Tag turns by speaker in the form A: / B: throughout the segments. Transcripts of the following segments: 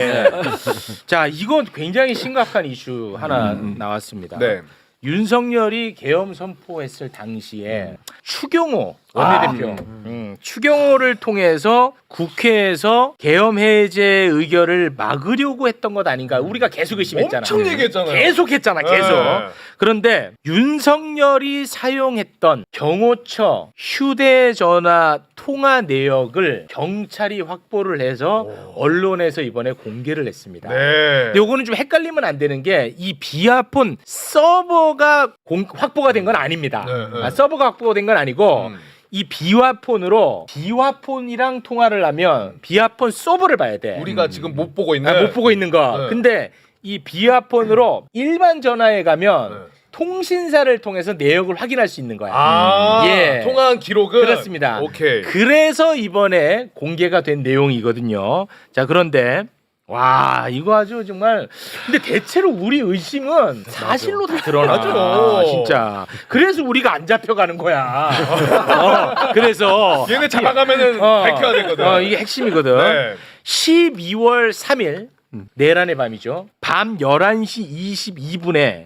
A: 자, 이건 굉장히 심각한 이슈 하나 나왔습니다.
B: 네.
A: 윤석열이 계엄 선포했을 당시에 추경호 원내대표, 추경호를 통해서 국회에서 계엄 해제 의결을 막으려고 했던 것 아닌가? 우리가 계속 의심했잖아.
B: 엄청 얘기했잖아요.
A: 계속했잖아, 계속.
B: 네.
A: 그런데 윤석열이 사용했던 경호처 휴대전화 통화 내역을 경찰이 확보를 해서 언론에서 이번에 공개를 했습니다.
B: 네.
A: 근데 요거는 좀 헷갈리면 안 되는 게 이 비아폰 서버가 확보가 된 건 아닙니다.
B: 네.
A: 아, 서버가 확보가 된 건 아니고 이 비화폰으로 비화폰이랑 통화를 하면 비화폰 서버를 봐야 돼.
B: 우리가 지금 못 보고 있는
A: 못 보고 있는 거.
B: 네.
A: 근데 이 비화폰으로 일반 전화에 가면
B: 네.
A: 통신사를 통해서 내역을 확인할 수 있는 거야. 예.
B: 통화한 기록은
A: 그렇습니다.
B: 오케이.
A: 그래서 이번에 공개가 된 내용이거든요. 자, 그런데 와, 이거 아주 정말 근데 대체로 우리 의심은 사실로 다 드러나.
B: 맞아.
A: 진짜. 그래서 우리가 안 잡혀가는 거야. 그래서
B: 얘네 잡아가면은 밝혀야 되거든.
A: 이게 핵심이거든.
B: 네.
A: 12월 3일 내란의 밤이죠. 밤 11시 22분에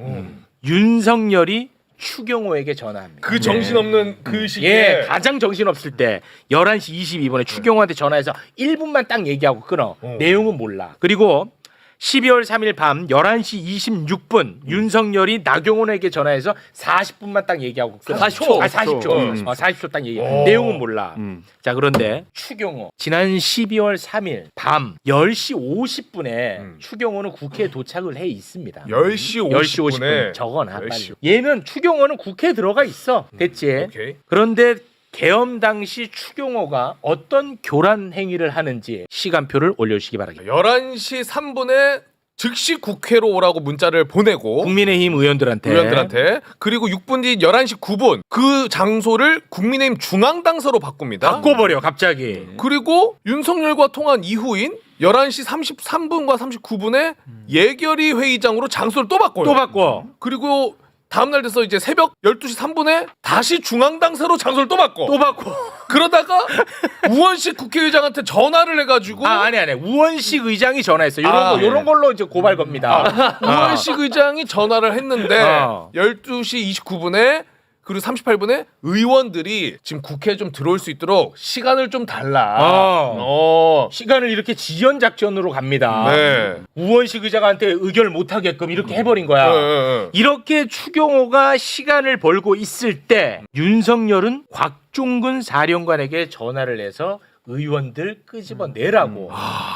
A: 윤석열이 추경호에게 전화합니다.
B: 그 정신없는 그 시기에
A: 예, 가장 정신없을 때 11시 22분에 추경호한테 전화해서 1분만 딱 얘기하고 끊어. 내용은 몰라. 그리고 12월 3일 밤 11시 26분 윤석열이 나경원에게 전화해서 40분만 딱 얘기하고 끊어.
C: 40초.
A: 40초. 40초 딱 얘기해. 내용은 몰라. 자, 그런데 추경호 지난 12월 3일 밤 10시 50분에 추경호는 국회에 도착을 해 있습니다.
B: 10시
A: 10시 50분
B: 50분에
A: 적어놔 빨리.
B: 10시.
A: 얘는 추경호는 국회에 들어가 있어. 됐지.
B: 오케이.
A: 그런데 계엄 당시 추경호가 어떤 교란 행위를 하는지 시간표를 올려주시기 바랍니다.
B: 11시 3분에 즉시 국회로 오라고 문자를 보내고
A: 국민의힘 의원들한테
B: 그리고 6분 뒤 11시 9분 그 장소를 국민의힘 중앙당서로 바꿉니다.
A: 바꿔버려 갑자기.
B: 그리고 윤석열과 통한 이후인 11시 33분과 39분에 예결위 회의장으로 장소를 또 바꿔요.
A: 또 바꿔.
B: 그리고 다음날 돼서 이제 새벽 12시 3분에 다시 중앙당사로 장소를 또 바꿔.
A: 또 바꿔.
B: 그러다가 우원식 국회의장한테 전화를 해가지고
A: 아니 우원식 의장이 전화했어.
B: 아,
A: 요런 걸로 이제 고발 겁니다.
B: 우원식 의장이 전화를 했는데 12시 29분에 그리고 38분에 의원들이 지금 국회에 좀 들어올 수 있도록 시간을 좀 달라.
A: 시간을 이렇게 지연 작전으로 갑니다.
B: 네.
A: 우원식 의장한테 의결 못 하게끔 이렇게 해버린 거야.
B: 네.
A: 이렇게 추경호가 시간을 벌고 있을 때 윤석열은 곽종근 사령관에게 전화를 해서 의원들 끄집어내라고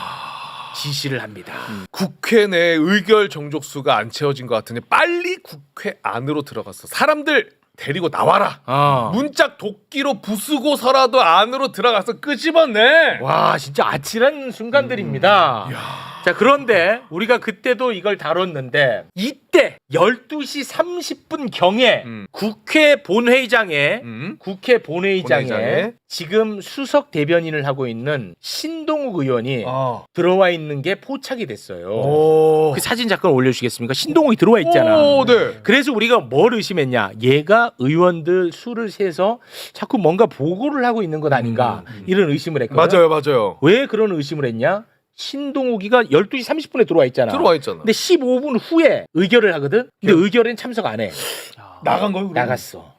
A: 지시를 합니다.
B: 국회 내 의결 정족수가 안 채워진 것 같으니 빨리 국회 안으로 들어가서 사람들 데리고 나와라. 문짝 도끼로 부수고서라도 안으로 들어가서 끄집어내.
A: 와, 진짜 아찔한 순간들입니다. 자, 그런데 우리가 그때도 이걸 다뤘는데 이때 12시 30분 경에 국회 본회의장에
B: 본회의장에
A: 지금 수석 대변인을 하고 있는 신동욱 의원이 들어와 있는 게 포착이 됐어요. 그 사진 잠깐 올려주시겠습니까? 신동욱이 들어와 있잖아.
B: 네.
A: 그래서 우리가 뭘 의심했냐? 얘가 의원들 수를 세서 자꾸 뭔가 보고를 하고 있는 것 아닌가? 이런 의심을 했거든.
B: 맞아요.
A: 왜 그런 의심을 했냐? 신동욱이가 12시 30분에 들어와 있잖아. 근데 15분 후에 의결을 하거든. 근데 의결엔 참석 안 해.
B: 나간 거요?
A: 나갔어.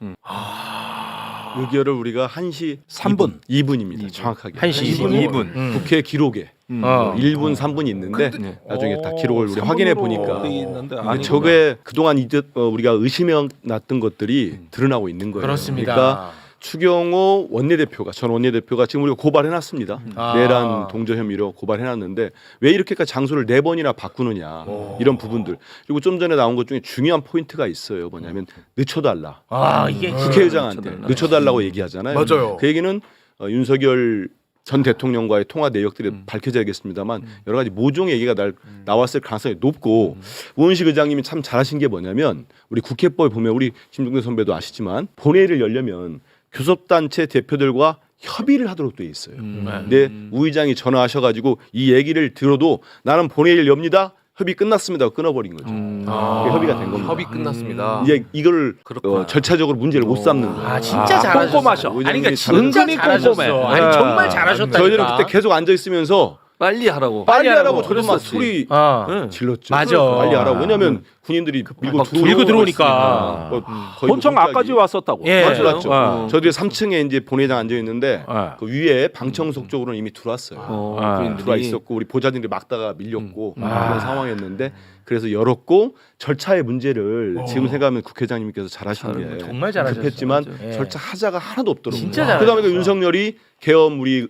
D: 의결을 우리가 1시 3분, 2분입니다. 정확하게.
A: 1시
D: 2분. 국회 기록에 1분, 3분이 있는데 나중에 다 기록을 우리 확인해 보니까 저게 그동안 우리가 의심해 놨던 것들이 드러나고 있는 거예요.
A: 그렇습니다.
D: 그러니까 추경호 원내대표가 전 원내대표가 지금 우리가 고발해놨습니다. 내란 동조 혐의로 고발해놨는데 왜 이렇게까지 장소를 4번이나 바꾸느냐 이런 부분들. 그리고 좀 전에 나온 것 중에 중요한 포인트가 있어요. 뭐냐면 늦춰달라.
A: 이게
D: 국회의장한테 늦춰달라고 얘기하잖아요.
B: 맞아요.
D: 그 얘기는 윤석열 전 대통령과의 통화 내역들이 밝혀져야겠습니다만 여러 가지 모종 얘기가 나왔을 가능성이 높고 우원식 의장님이 참 잘하신 게 뭐냐면 우리 국회법에 보면 우리 김종대 선배도 아시지만 본회의를 열려면 교섭단체 대표들과 협의를 하도록 돼 있어요. 근데 우 의장이 전화하셔가지고 이 얘기를 들어도 나는 본회의를 엽니다. 협의 끝났습니다. 끊어버린 거죠. 그게 협의가 된 겁니다.
B: 협의 끝났습니다.
D: 이제 이걸 절차적으로 문제를 못 삼는 거예요.
A: 진짜 잘하셨어.
C: 꼼꼼하셔.
A: 아니 그러니까 진짜 잘하셨어. 아니 정말 잘하셨다.
D: 저희들은 그때 계속 앉아 있으면서
C: 빨리 하라고.
D: 빨리 하라고
A: 하라고.
D: 저런 막 소리 질렀죠.
A: 맞아.
D: 빨리 하라고. 왜냐하면 군인들이 밀고
C: 막
A: 들고 들어오니까.
D: 거의
E: 본청
D: 뭐
E: 앞까지 왔었다고.
A: 예.
D: 맞죠. 저희들이 3층에 이제 본회장 앉아 있는데 그 위에 방청석 쪽으로는 이미 들어왔어요. 들어와 있었고 우리 보좌진들이 막다가 밀렸고 그런 상황이었는데 그래서 열었고 절차의 문제를 지금 생각하면 국회의장님께서 잘하신 게
A: 정말 잘하셨어요.
D: 급했지만
A: 예.
D: 절차 하자가 하나도 없더라고요.
A: 진짜 잘하셨어요.
D: 그다음에 윤석열이 계엄 우리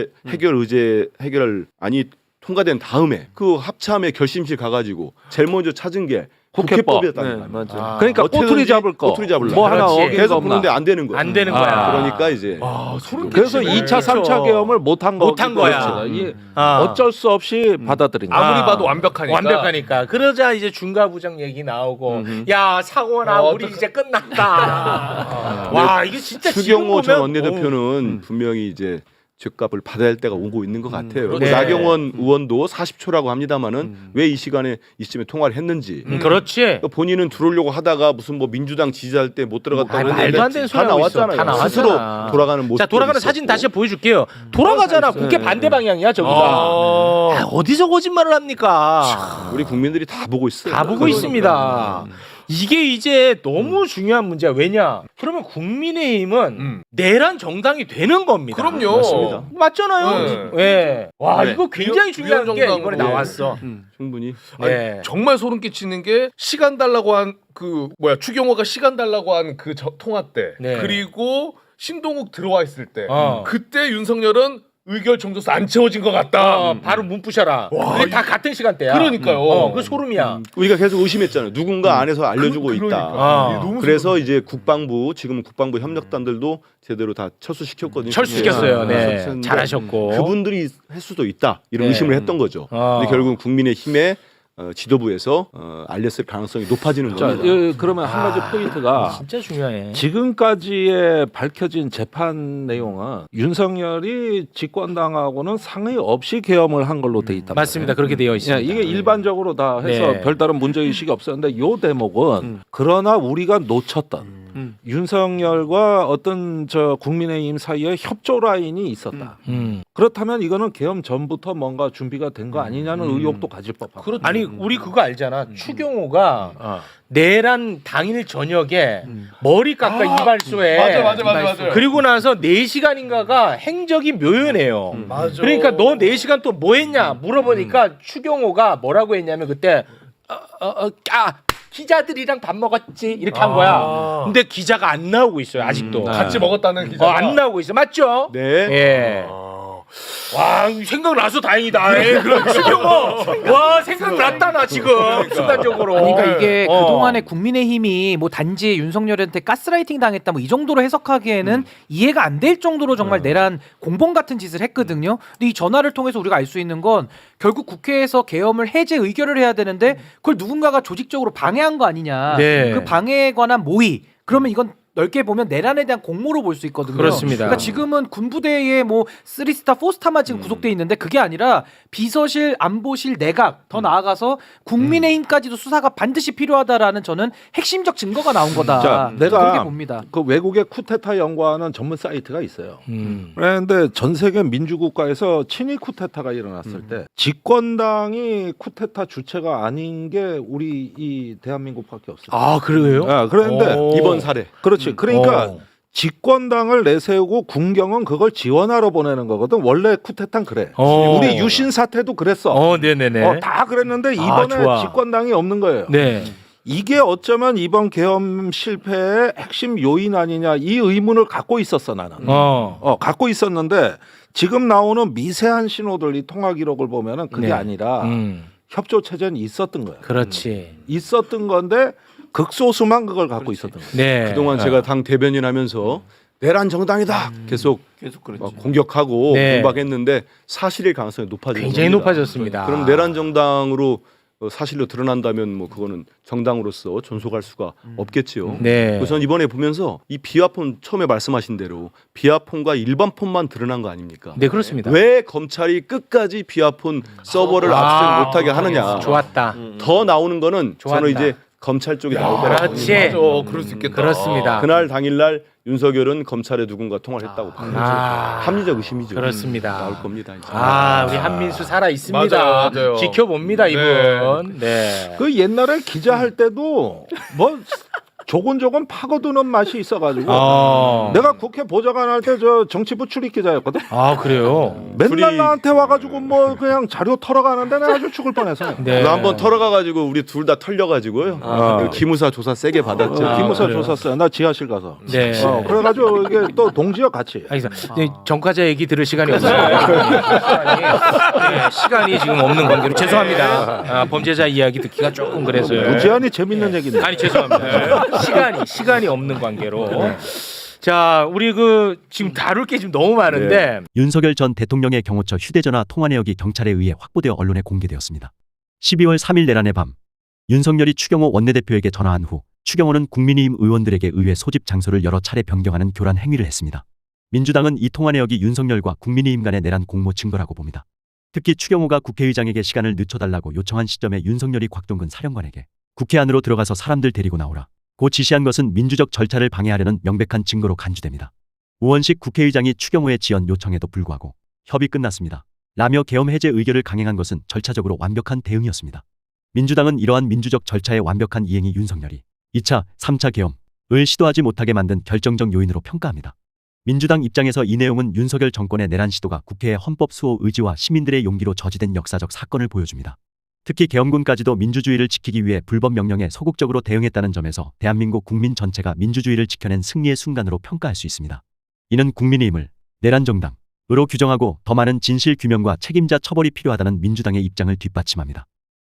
D: 해결안이 통과된 다음에 그 합참의 결심실 가가지고 제일 먼저 찾은 게
E: 국회법.
D: 국회법이었다는 거예요.
C: 맞아.
E: 그러니까
D: 어떻게든지
E: 꼬투리 잡을 거.
D: 꼬투리 잡으려고.
E: 뭐 하나
A: 그렇지.
E: 어기가
D: 계속
E: 없나.
D: 부르는데 안 되는 거예요.
A: 안 되는 거야.
D: 그러니까 이제
E: 그래서 2차, 3차 계엄을 못한 거.
A: 못한 거야.
E: 이게
A: 아.
E: 어쩔 수 없이 받아들인 거야.
B: 아무리 봐도 완벽하니까.
A: 완벽하니까. 그러자 이제 중과부장 얘기 나오고 야 사고나 우리 이제 끝났다. 와 이게 진짜
D: 추경호
A: 지금
D: 전
A: 보면
D: 원내대표는 분명히 이제 죗값을 받아야 할 때가 오고 있는 것 같아요.
A: 그렇죠.
D: 나경원 의원도 40초라고 합니다만은 왜 이 시간에 이쯤에 통화를 했는지.
A: 그렇지.
D: 그러니까 본인은 들어오려고 하다가 무슨 뭐 민주당 지지할 때 못 들어갔다고
A: 뭐, 말도 안 되는 소리
D: 다
A: 하고 있어.
D: 나왔잖아요.
A: 다 나왔잖아.
D: 스스로 돌아가는 모습.
A: 자 돌아가는 사진 다시 보여줄게요. 돌아가잖아. 국회 반대 방향이야 저기가. 아, 어디서 거짓말을 합니까?
D: 우리 국민들이 다 보고 있어요.
A: 다 보고 있습니다. 이게 이제 너무 중요한 문제야. 왜냐? 그러면 국민의힘은 내란 정당이 되는 겁니다.
B: 그럼요.
D: 맞습니다.
A: 맞잖아요. 예. 와
D: 네.
A: 이거 굉장히 중요한 게
B: 위헌
A: 이번에
B: 정당으로.
A: 나왔어.
D: 충분히.
A: 네.
B: 정말 소름 끼치는 게 시간 달라고 한 그 추경호가 시간 달라고 한 그 통화 때
A: 네.
B: 그리고 신동욱 들어와 있을 때
A: 어.
B: 그때 윤석열은 의결 정도수 안 채워진 것 같다.
A: 바로 문 부셔라. 그게 다 같은 시간대야.
B: 그러니까요.
A: 그 소름이야.
D: 우리가 계속 의심했잖아요. 누군가 안에서 알려주고
B: 그러니까.
D: 있다.
A: 아.
B: 이게 너무
D: 그래서 이제 국방부 지금 국방부 협력단들도 제대로 다 철수시켰거든요.
A: 철수시켰어요. 네.
D: 철수시켰는데
A: 잘하셨고.
D: 그분들이 할 수도 있다 이런
A: 네.
D: 의심을 했던 거죠. 근데 결국은 국민의힘의 지도부에서 알렸을 가능성이 높아지는
E: 자,
D: 겁니다.
E: 그러면 한 가지 포인트가
A: 진짜 중요해.
E: 지금까지의 밝혀진 재판 내용은 윤석열이 집권당하고는 상의 없이 계엄을 한 걸로 돼 있다.
A: 맞습니다. 그렇게 되어 있습니다.
E: 이게 일반적으로 다 해서
A: 네.
E: 별다른 문제의식이 없었는데 요 대목은 그러나 우리가 놓쳤던 윤석열과 어떤 저 국민의힘 사이에 협조 라인이 있었다. 그렇다면 이거는 계엄 전부터 뭔가 준비가 된 거 아니냐는 의혹도 가질 법하고.
A: 아니 우리 그거 알잖아. 추경호가 내란 당일 저녁에 머리 깎아 이발소에
B: 맞아.
A: 그리고 나서 4시간인가가 행적이 묘연해요.
B: 맞아.
A: 그러니까 너 4시간 또 뭐 했냐 물어보니까 추경호가 뭐라고 했냐면 그때 기자들이랑 밥 먹었지 이렇게 한 거야. 근데 기자가 안 나오고 있어요 아직도.
B: 같이 먹었다는 기자가
A: 안 나오고 있어. 맞죠?
D: 네.
A: 예. 와 생각나서 다행이다. 예, 그럼 추경호. 와 생각났다 나 지금 순간적으로.
F: 그러니까 이게
A: 어.
F: 그동안에 국민의힘이 뭐 단지 윤석열한테 가스라이팅 당했다 뭐 이 정도로 해석하기에는 이해가 안 될 정도로 정말 내란 공범 같은 짓을 했거든요. 근데 이 전화를 통해서 우리가 알 수 있는 건 결국 국회에서 계엄을 해제 의결을 해야 되는데 그걸 누군가가 조직적으로 방해한 거 아니냐.
A: 네.
F: 그 방해에 관한 모의. 그러면 이건 넓게 보면 내란에 대한 공모로 볼 수 있거든요.
A: 그렇습니다.
F: 그러니까 지금은 군부대에 뭐 3스타, 4스타만 지금 구속돼 있는데 그게 아니라 비서실, 안보실, 내각 더 나아가서 국민의힘까지도 수사가 반드시 필요하다라는 저는 핵심적 증거가 나온 거다.
E: 자,
F: 그렇게
E: 내가
F: 봅니다.
E: 그 외국의 쿠데타 연구하는 전문 사이트가 있어요. 그런데 전 세계 민주국가에서 친위 쿠데타가 일어났을 때 집권당이 쿠데타 주체가 아닌 게 우리 이 대한민국밖에 없어요.
A: 아 그래요?
E: 그런데
A: 오.
D: 이번 사례.
E: 그렇지. 그러니까
A: 어.
E: 집권당을 내세우고 군경은 그걸 지원하러 보내는 거거든. 원래 쿠데타는 그래.
A: 어.
E: 우리 유신 사태도 그랬어.
A: 네네네.
E: 다 그랬는데 이번에
A: 좋아.
E: 집권당이 없는 거예요.
A: 네.
E: 이게 어쩌면 이번 계엄 실패의 핵심 요인 아니냐 이 의문을 갖고 있었어 나는. 갖고 있었는데 지금 나오는 미세한 신호들 이 통화 기록을 보면은 그게
A: 네.
E: 아니라 협조 체제는 있었던 거야.
A: 그렇지.
E: 있었던 건데 극소수만 그걸 갖고 있었던 거야.
A: 네.
D: 그동안 제가 당 대변인 하면서 내란 정당이다 계속
C: 그랬죠.
D: 공격하고
A: 네.
D: 공박했는데 사실일 가능성이 높아지는
A: 굉장히
D: 겁니다.
A: 높아졌습니다.
D: 그럼 내란 정당으로 사실로 드러난다면 뭐 그거는 정당으로서 존속할 수가 없겠지요.
A: 네.
D: 우선 이번에 보면서 이 비화폰 처음에 말씀하신 대로 비화폰과 일반 폰만 드러난 거 아닙니까?
A: 네 그렇습니다.
D: 왜 검찰이 끝까지 비화폰 서버를 압수수색 못하게 하느냐?
A: 좋았다.
D: 더 나오는 거는
A: 좋았다.
D: 저는 이제 검찰 쪽이 나올 거라고
A: 그렇지.
B: 맞아, 그럴 수 있겠다.
A: 그렇습니다.
D: 그날 당일날 윤석열은 검찰에 누군가 통화를 했다고 봐요. 합리적 의심이죠.
A: 그렇습니다.
D: 나올 겁니다. 이제.
A: 우리 한민수 살아 있습니다.
B: 맞아요, 맞아요.
A: 지켜봅니다 이분. 네.
E: 그 옛날에 기자할 때도 뭐 조곤조곤 파고드는 맛이 있어가지고 내가 국회 보좌관 할 때 저 정치부 출입 기자였거든.
A: 그래요.
E: 맨날 나한테 와가지고 뭐 그냥 자료 털어가는데 내가 아주 죽을 뻔해서.
A: 네.
D: 한번 털어가가지고 우리 둘 다 털려가지고요. 그 기무사 조사 세게 받았죠.
E: 기무사
A: 그래요.
E: 조사했어요. 나 지하실 가서.
A: 네.
E: 그래가지고 이게 또 동지와 같이.
A: 알겠습니다. 네, 정과자 얘기 들을 시간이 없어요. 시간이 지금 없는 관계로 죄송합니다. 범죄자 이야기 듣기가 조금 그래서요.
E: 무지한이 재밌는 얘기인데.
A: 아니 죄송합니다. 시간이 없는 관계로. 자, 우리 지금 다룰 게 지금 너무 많은데
C: 윤석열 전 대통령의 경호처 휴대전화 통화 내역이 경찰에 의해 확보되어 언론에 공개되었습니다. 12월 3일 내란의 밤 윤석열이 추경호 원내대표에게 전화한 후 추경호는 국민의힘 의원들에게 의회 소집 장소를 여러 차례 변경하는 교란 행위를 했습니다. 민주당은 이 통화 내역이 윤석열과 국민의힘 간의 내란 공모 증거라고 봅니다. 특히 추경호가 국회의장에게 시간을 늦춰달라고 요청한 시점에 윤석열이 곽동근 사령관에게 국회 안으로 들어가서 사람들 데리고 나오라 고 지시한 것은 민주적 절차를 방해하려는 명백한 증거로 간주됩니다. 우원식 국회의장이 추경호의 지연 요청에도 불구하고 협의 끝났습니다. 라며 계엄 해제 의결을 강행한 것은 절차적으로 완벽한 대응이었습니다. 민주당은 이러한 민주적 절차의 완벽한 이행이 윤석열이 2차, 3차 계엄을 시도하지 못하게 만든 결정적 요인으로 평가합니다. 민주당 입장에서 이 내용은 윤석열 정권의 내란 시도가 국회의 헌법 수호 의지와 시민들의 용기로 저지된 역사적 사건을 보여줍니다. 특히 계엄군까지도 민주주의를 지키기 위해 불법 명령에 소극적으로 대응했다는 점에서 대한민국 국민 전체가 민주주의를 지켜낸 승리의 순간으로 평가할 수 있습니다. 이는 국민의힘을 내란 정당으로 규정하고 더 많은 진실 규명과 책임자 처벌이 필요하다는 민주당의 입장을 뒷받침합니다.